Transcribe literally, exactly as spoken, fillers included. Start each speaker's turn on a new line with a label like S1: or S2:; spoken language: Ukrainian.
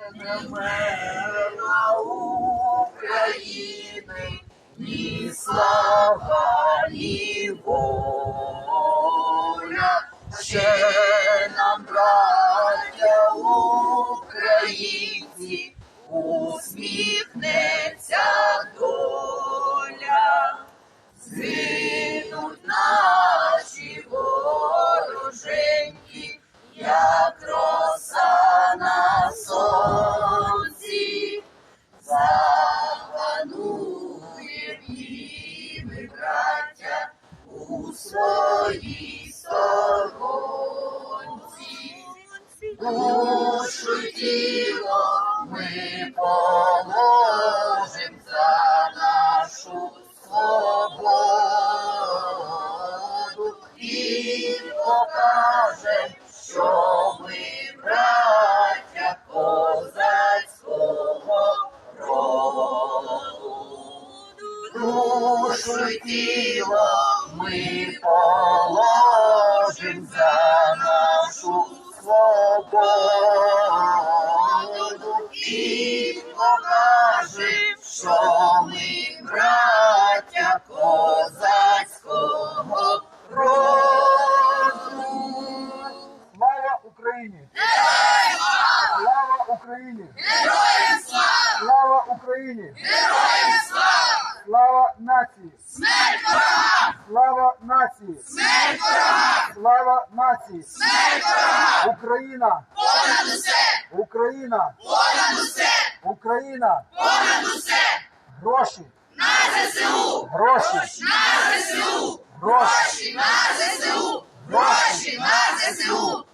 S1: мирна України, ні слава, ні воля. Ще нам, браття українці, усміхнеться доля. Згинуть наші вороженьки, як роса на сонці. Запануєм і ми, браття, у своїй сторонці. Душу й тіло ми положим за нашу свободу і покажем, що ми браття козацького роду. Душу й тіло ми положим за нашу свободу і покажем, що ми браття козацького роду.
S2: Слава Україні! Слава Україні!
S1: Героям слава!
S2: Слава Україні!
S1: Героям слава!
S2: Слава нації!
S1: Смерть ворогам!
S2: Слава нації!
S1: Смерть ворогам!
S2: Слава нації!
S1: Смерть ворогам!
S2: Україна!
S1: Понад усе!
S2: Україна!
S1: Понад усе!
S2: Україна!
S1: Понад усе!
S2: Гроші!
S1: На ЗСУ!
S2: Гроші!
S1: На ЗСУ!
S2: Гроші!
S1: Гроші на ЗСУ! Гроші на ЗСУ!